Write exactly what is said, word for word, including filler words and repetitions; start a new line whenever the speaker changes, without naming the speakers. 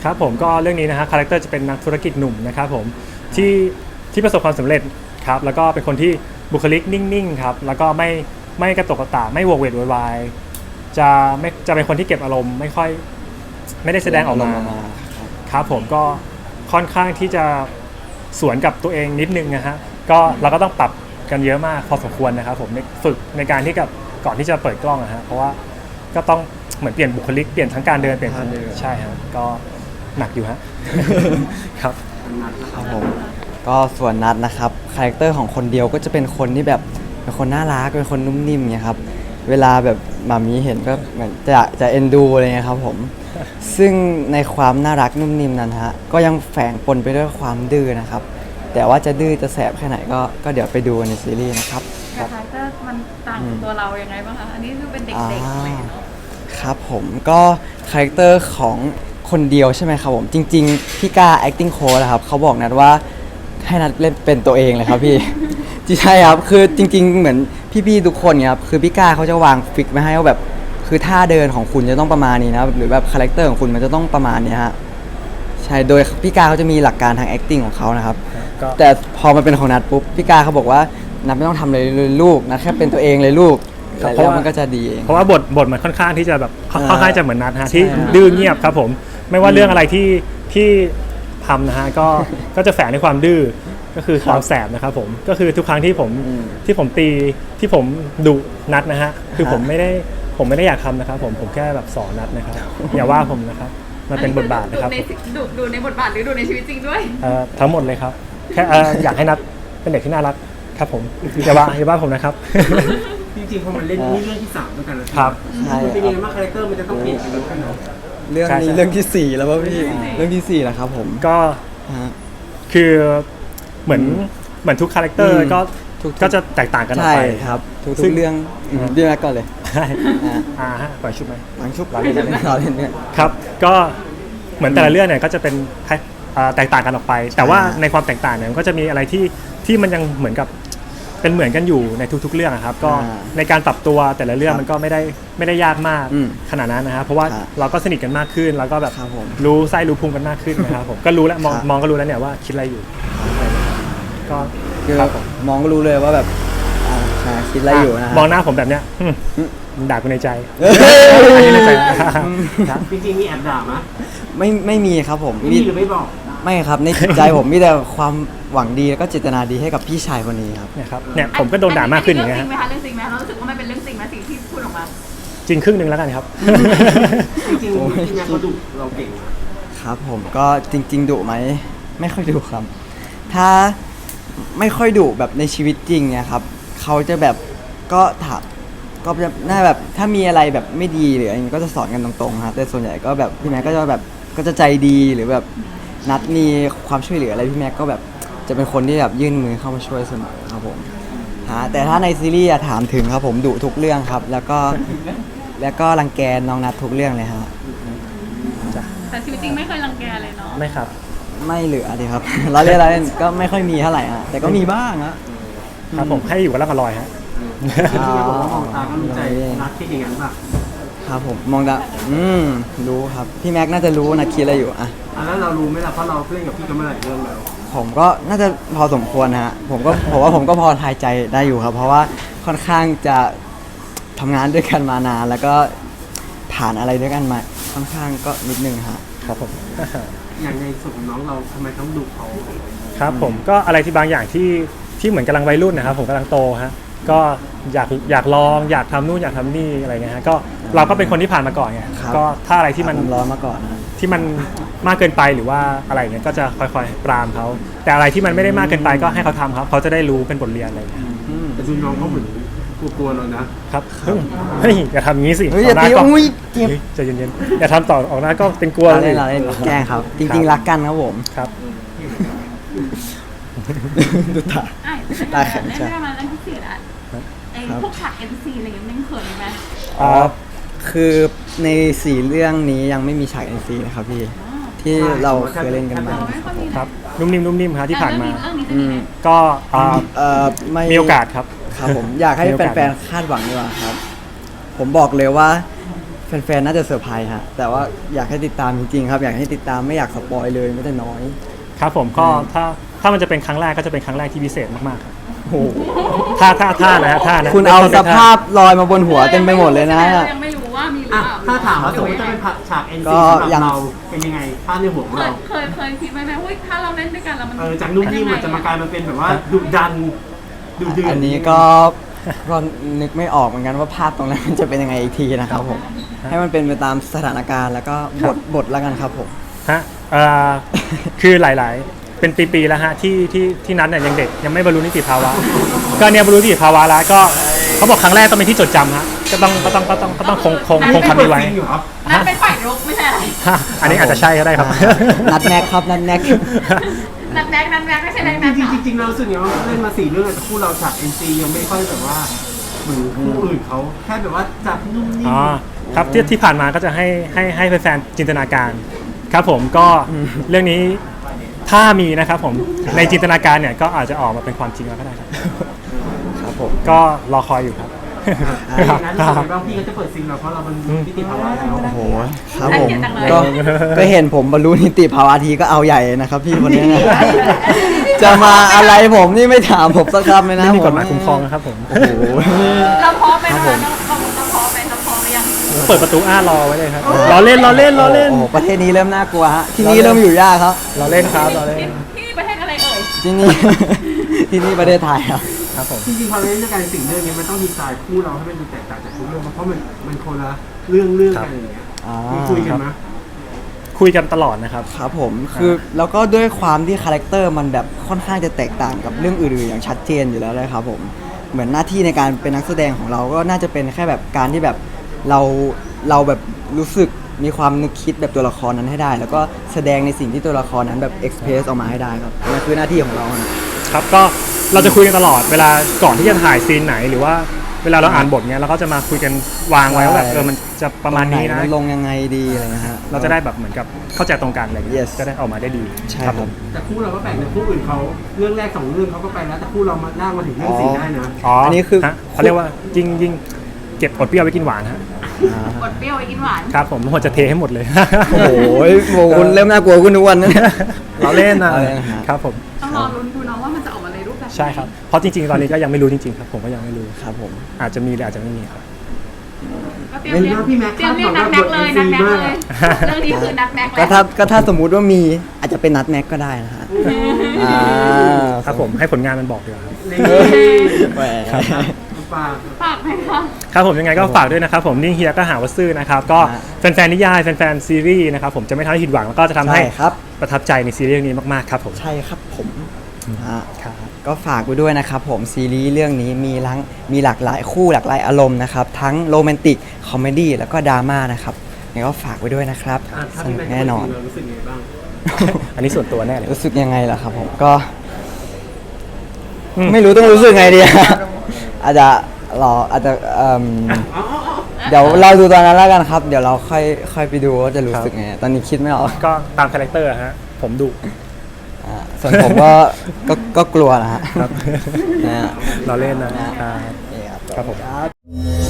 ครับผมก็เรื่องนี้นะฮะคาแรคเตอร์จะเป็นนักธุรกิจหนุ่มนะครับผมที่ที่ประสบความสำเร็จครับแล้วก็เป็นคนที่บุคลิกนิ่งๆครับแล้วก็ไม่ไม่กระตุกกระตากไม่โวกเวกโวยวายจะไม่จะเป็นคนที่เก็บอารมณ์ไม่ค่อยไม่ได้แสดงออกมาครับผมก็ค่อนข้างที่จะสวนกับตัวเองนิดนึงนะฮะก็เราก็ต้องปรับกันเยอะมากพอสมควรนะครับผมฝึกในการที่กับก่อนที่จะเปิดกล้องนะฮะเพราะว่าก็ต้องเหมือนเปลี่ยนบุคลิกเปลี่ยนทั้งการเดินเปลี่ยนทั้งใช่ฮะก็หนักอยู่ฮะ ครับ
ครับผมก็ส่วนนัดนะครับคาแรคเตอร์ของคนเดียวก็จะเป็นคนที่แบบเป็นคนน่ารักเป็นคนนุ่มนิ่มเนี่ยครับเวลาแบบหมามีเห็นก็เหมือนจะจะเอ็นดูอะไรเงี้ยครับผมซึ่งในความน่ารักนุ่มนิ่มนั้นฮะก็ยังแฝงปนไปด้วยความดื้อนะครับแต่ว่าจะดื้อจะแสบแค่ไหนก็ก็เดี๋ยวไปดูในซีรีส์นะครับ
คาแรคเตอร์มันต่างจากตัวเรายังไงบ้างคะอันนี้คือเป็นเด็กๆอะไรเนาะ
ครับผมก็คาแรคเตอร์ของคนเดียวใช่ไหมครับผมจริงๆพี่ก้า acting coach นะครับเขาบอกนัดว่าให้นัดเล่นเป็นตัวเองเลยครับพี่ ใช่ครับคือจริงๆเหมือนพี่ๆทุกคนเนี่ยครับคือพี่ก้าเขาจะวางฟิกไว้ให้ว่าแบบคือท่าเดินของคุณจะต้องประมาณนี้นะหรือแบบคาแรคเตอร์ของคุณมันจะต้องประมาณนี้ฮะใช่โดยพี่ก้าเขาจะมีหลักการทาง acting ของเขานะครับแต่พอมาเป็นของนัดปุ๊บพี่ก้าเขาบอกว่านัดไม่ต้องทำเลยลูกนัดแค่เป็นตัวเองเลยลูกแล้วมันก็จะดีเอง
เพราะว่าบทบทมันค่อนข้างที่จะแบบค่อนข้างจะเหมือนนัดฮะที่ดื้อเงียบครับผมไม่ว่าเรื่องอะไรที่ที่ทำนะฮะก็ก็จะแฝงในความดื้อก็คือความแสบนะครับผมก็คือทุกครั้งที่ผมที่ผมตีที่ผมดุนัดนะฮะคือผมไม่ได้ผมไม่ได้อยากทำนะครับผมผมแค่แบบสอนนัดนะครับอย่าว่าผมนะครับมันเป็นบทบาทนะครับ
ดูดูในบทบาทหรือดูในชีวิตจริงด้วย
ทั้งหมดเลยครับแค่อยากให้นัดเป็นเด็กที่น่ารักครับผมอย่าว่าอย่าว่าผมนะครับ
จริงๆพอมันเล่นนี่เรื่องที่สามด้วยกันนะครับมันเป็นยังไงบ้างคาแรคเตอร์มันจะต้องเปลี่ยนกันเนาะ
เรื่องนี้เรื่องที่สี่แล้วป่ะพี่เรื่องที่สี่แล้วครับผม
ก็คือเหมือนเหมือนทุกคาแรคเตอร์ก็ก็จะแตกต่างกันออกไป
ครับทุกเรื่องเรื่องแรกก่อนเลย
อ่าฮะปล่อยชุดไหม
หลังชุบเราเล่นเราเล่นเนี่ย
ครับก็เหมือนแต่ละเรื่องเนี่ยก็จะเป็นแตกต่างกันออกไปแต่ว่าในความแตกต่างเนี่ยมันก็จะมีอะไรที่ที่มันยังเหมือนกับเป็นเหมือนกันอยู่ในทุกๆเรื่องครับก็ในการปรับตัวแต่ละเรื่องมันก็ไม่ได้ไม่ได้ยากมากขนาดนั้นนะครับเพราะว่าเราก็สนิทกันมากขึ้นแล้วก็แบบรู้ไส้รู้พุงกันมากขึ้นนะครับผมก็รู้แล้วมองมองก็รู้แล้วเนี่ยว่าคิดอะไรอยู่ก็
มองก็รู้เลยว่าแบบคิดอะไรอยู่นะ
มองหน้าผมแบบเนี้ยด่ากูในใจ
อันนี้ในใจจริงๆมีแอบด่าไหม
ไม่ไม่มีครับผม
มีหรือไม่บอก
ไม่ครับในใจผมมีแต่ความหวังดีแล้วก็เจตนาดีให้กับพี่ชายคนนี้ครับ
เนี่ยครับเนี่ยผมก็โดนด่ามากขึ้นอย่างเงี้ย
เรื่องจริงไหมคะเรื่องจริงไหมเรารู้สึกว่ามันเป็นเรื่องจริงไหมสิ่งที่พูดออกมา
จริงครึ่งหนึ่งแล้วกันครับ
จริงๆที่นักเขาดุเราเก่ง
ครับผมก็จริงๆดุไหมไม่ค่อยดุครับถ้าไม่ค่อยดุแบบในชีวิตจริงเนี่ยครับเขาจะแบบก็ถามก็จะน่าแบบถ้ามีอะไรแบบไม่ดีหรืออะไรก็จะสอนกันตรงๆครับแต่ส่วนใหญ่ก็แบบพี่แม็กก็จะแบบก็จะใจดีหรือแบบนัดมีความช่วยเหลืออะไรพี่แม็กก็แบบจะเป็นคนที่แบบยื่นมือเข้ามาช่วยเสมอครับผมฮะแต่ถ้าในซีรีส์ถามถึงครับผมดุทุกเรื่องครับแล้วก็แล้วก็รังแกน้องนัดทุกเรื่องเลยฮะ
แต่ชีวิตจริงไม่เคยรังแกเลยเนาะ
ไม่ครับ
ไม่เหลือดิครับเราเล่นเราเล่นก็ไม่ค่อยมีเท่าไหร่ฮะแต่ก็มีบ้างฮะ
ครับผมให้อยู่กับร่างอร่อยฮะ
มองตาก็รู้ใจนัดคิดอย่างนั้นป่ะ
ครับผมมองตาอืมรู้ครับพี่แม็กน่าจะรู้นะคิดอะไรอยู่อ่ะ
แล้วเรารู้ไหมล่ะเพราะเราเล่นกับพี่กันมาหลายเรื่องแล้ว
ผมก็น่าจะพอสมควรฮะผมก็ผมว่าผมก็พอทายใจได้อยู่ครับเพราะว่าค่อนข้างจะทำงานด้วยกันมานานแล้วก็ผ่านอะไรด้วยกันมาค่อนข้างก็นิดนึงฮะ
ครับผม
อย่างในส่วนของน้องเราทำไมต้องดุเขา
ครับผมก็อะไรที่บางอย่างที่ที่เหมือนกำลังวัยรุ่นนะครับผมกำลังโตฮะก็อยากอยากลองอยากทำนู่นอยากทำนี่อะไรเงี้ยฮะก็เราก็เป็นคนที่ผ่านมาก่อนไงก็ถ้าอะไรที่มัน
ร้อนมาก่อน
ที่มันมากเกินไปหรือว่าอะไรเงี้ยก็จะค่อยๆปรามเขาแต่อะไรที่มันไม่ได้มากเกินไปก็ให้เขาทำครับเขาจะได้รู้เป็นบทเรียนอะไรเงี้ย
แต่ดูน้องเขาเหมือนกลัวๆเรานะครับ
เฮ้ยอย่าทำงี้สิ
อย่าตีอุ้ย
ใจเย็นๆอย่าทำต่อออกหน้าก็เป็นกลัว
เลยแกล้งครับจริงๆรักกันครับผม
ครับ
ดูตา
ตาแข็งใช่ไหมเรื่องที่สี่ละไอ้พวกฉากเอ็นซีอะไรอย่างเงี้ยมันเขินไหม
อ๋อคือในสี่เรื่องนี้ยังไม่มีฉากเอ็นซีนะครับพี่ที่เราเคยเล่นกันมา
ครับนุ่มนิ่มนุ่มนิ่มครับที่ผ่านมา
ก็
มีโอกาสครับ
ครับผมอยากให้แฟนๆคาดหวังดีกว่าครับผมบอกเลยว่าแแฟนๆ น่าจะเซอร์ไพรส์ฮะแต่ว่าอยากให้ติดตามจริงๆครับอยากให้ติดตามไม่อยากสปอยเลยไม่แต่น้อย
ครับผมก็ถ้าถ้ามันจะเป็นครั้งแรกก็จะเป็นครั้งแรกที่พิเศษมากๆครับโอ้โหท่าท่าท่านะฮะท่านะ
คุณเอาสภาพลอยมาบนหัวเต็มไปหมดเลยนะ
ยังไม่รู้ว่ามีหรือ
อ่ะ
เปล่า
ถ้าถามว่าสมมติจะเป็นฉาก เอ็น
ก็
ซี สำห
ยั
รับ
ง
เราเป็นยังไงภาพในหัวของ
เคย
เรา
เคยเคยคิดไหมไหมว่าถ้าเราเล่นด้วยกันแล้วมัน
เออจากนุ่มนิ่มมันจะมากลายมาเป็นแบบว่าดุดันดุเดือด
อันนี้ก็ก็นึกไม่ออกเหมือนกันว่าภาพตรงนั้นมันจะเป็นยังไงอีกทีนะครับผมให้มันเป็นไปตามสถานการณ์แล้วก็บทบทแล้วกันครับผม
ฮะเอ่อคือหลายๆ เป็นปีๆแล้วฮะที่ที่ที่นั้นเนี่ยยังเด็กยังไม่บรรลุนิติภาวะ ก็เนี่ยบรรลุนิติภาวะแล้วก็เขาบอกครั้งแรกต้องเป็นที่จดจำฮะก็ต้องก็ต้องก็ต้องก็ต้องคงคงคงคำนี้ไว้
จริงเหรอ
นั่นเป็นฝ่ายรุกไม่ใช่อะไร
ฮะอันนี้อาจจะใช่ก็ได้ครับ
นัดแนกครับนัดแนก
นัดแม็กนัดแม็กไม่ใช่แม็ก
จ
นัด
ริงๆจริงๆเรารู้สึกอย่างว่าเล่นมาสี่เรื่องแต่คู่เราฉาก เอ็น ซี ยังไม่ค่อยแบบว่าเหมือนคู่อื่นเขาแค่แบบว่าจับนุ่มนิ่ม
อ๋อครับที่ที่ผ่านมาก็จะให้ให้ให้แฟนๆจินตนาการครับผมก็เรื่องนี้ถ้ามีนะครับผมในจินตนาการเนี่ยก็อาจจะออกมาเป็นความจริงแล้วก็ได้ครับ
ครับผม
ก็รอคอยอยู่ครับ
ถ้าอย่างนั้นรู้สึกไงบ้างพี่ก็จะเปิดซิงเราเพราะเราเป็นนิติภาวะแล้ว
โอ้โหครับผมก็ก็เห็นผมบรรลุนิติภาวะทีก็เอาใหญ่นะครับพี่คนนี้นะ จะมาอะไรผมนี่ไม่ถามผมสักคำเลยนะ
ไม่มีกฎหมายคุ้มครองนะครับผม
โอ้โห
เราพร้อมไหมนะคะเราเราพร้อมไหมเราพร้อมหรือยัง
เปิดประตูอ้ารอไว้เลยครับรอเล่นรอเล่นรอเล่น
โอ้โหประเทศนี้เริ่มน่ากลัวฮะที่นี่เริ่มอยู่ยากครับ
รอเล่นครับรอเล่น
ที่ที่ประเทศอะไรเอ่ย
ที่นี่ ที่นี่ประเทศไทยครับ
ครับผม
จริงๆพอเล่นด้วยกันสิ่งเรื่องนี้มันต้องดีไซน์คู่เราให้มันดูแตกต่างจากทุกเรื่องเพราะมันมันคนละเรื่องเรื่องกันอย่างเงี้ย
อ่า
มีคุยกันไหม
คุยกันตลอดนะครับ
ครับผมคือแล้วก็ด้วยความที่คาแรคเตอร์มันแบบค่อนข้างจะแตกต่างกับเรื่องอื่นๆอย่างชัดเจนอยู่แล้วเลยครับผมเหมือนหน้าที่ในการเป็นนักแสดงของเราก็น่าจะเป็นแค่แบบการที่แบบเราเราแบบรู้สึกมีความนึกคิดแบบตัวละครนั้นให้ได้ แล้วก็แสดงในสิ่งที่ตัวละครนั้นแบบเอ็กเพรสออกมาให้ได้ครับนั่นคือหน้าที่ของเรานะ
ครับก็เราจะคุยกันตลอดเวลาก่อนที่จะถ่ายซีนไหนหรือว่าเวลาเราอ่านบทเนี้ยเราก็จะมาคุยกันวางไว้ว่าแบบเออมันจะประมาณนี้นะ
ตงไหมัลงยังไงดีอะไรนะฮะ
เราจะได้แบบเหมือนกับเข้าใจตรงกันอะไรอย่างเงี้ย
Yes
ก็ได้ออกมาได้ดี
ใช่ครับ
ผม
แต่คู่เราก็แบ่งในคู่อื่นเขาเรื่องแรกสองเรื่องเขาก็ไปแล้วแต่คู่เรามาล่างมาถึงเรื่องสี่ได้นะ
อ๋อ
อั
อั
นนี้คือ
เขาเรียกว่ายิ่งยิ่งเก็บอดเปรี้ยวไว้กินหวานฮะ
กดเปรี้ยวไว้กินหวาน
ครับผมผมจะเทให้หมดเลย
โอ้โหโอ้โหคุณเริ่มน่ากลัวขึ้นทุกวันนะเนี่ย
เราเล่นนะ
เราเล่นนะฮะ
ครับผม
ต้องรอลุ้นดูเนาะว่ามันจะออกมาในรูปแบบไหน
ใช่ครับเพราะจริงๆตอนนี้ก็ยังไม่รู้จริงๆครับผมก็ยังไม่รู้
ครับผม
อาจจะมีหรืออาจจะไม่มีครับ
ก็เตรียมเรียก
พี่แม็กซ์
เตรียมเรียกนัดแม็กเลยนัดแม็กเลยเรื่องนี้คือนัดแม็กแล้
ก็
ว
ถ้าก็ถ้าสมมุติว่ามีอาจจะเป็นนัดแม็กก็ได้นะฮะอ่า
ครับผมให้ผลงานมันบอกดีกว่าครับ
ใน
แหม
ปาก
ฝากไหมคะ
ครับผมยังไงก็ฝากด้วยนะครับผมนิ่งเฮียก็หาว่าซื่อนะครับก็แฟนๆนิยายแฟนๆซีรีส์นะครับผมจะไม่ทำให้ผิดหวังแล้วก็จะทำให้
ใช่ครับ
ประทับใจในซีรีส์เรื่องนี้มากๆครับผม
ใช่ครับผมอ่า
ครับ
ก็ฝากไว้ด้วยนะครับผมซีรีส์เรื่องนี้มีทั้งมีหลากหลายคู่หลากหลายอารมณ์นะครับทั้งโรแมนติกคอมเมดี้แล้วก็ดราม่านะครับยังไงก็ฝากไว้ด้วยนะครับ
อ่ะถ้า
ส
พี่
นุก
แม็กซ์
แน่นอน
เรารู้สึกยังไงบ้าง
อันนี้ส่วนตัวแน่เลย
รู้สึกยังไงล่ะครับผมก็
อืม
ไม่รู้ต้องรู้สึกไงดี อาจจะรออาจจะเอิ่มเดี๋ยวเราดูตอนนั้นแล้วกันครับ เดี๋ยวเราค่อยค่อยไปดูว่าจะรู้สึกไงตอนนี้คิดไม่ออก
ก็ตามคาแรคเตอร์ฮะผมดุ
อ่าส่วนผมก็ ก็ก็กลัวนะฮะ
ครับ
นะฮะ
เราเล่นนะ
นะ
อ่า
นี่ครับ
ครับผม
ครับ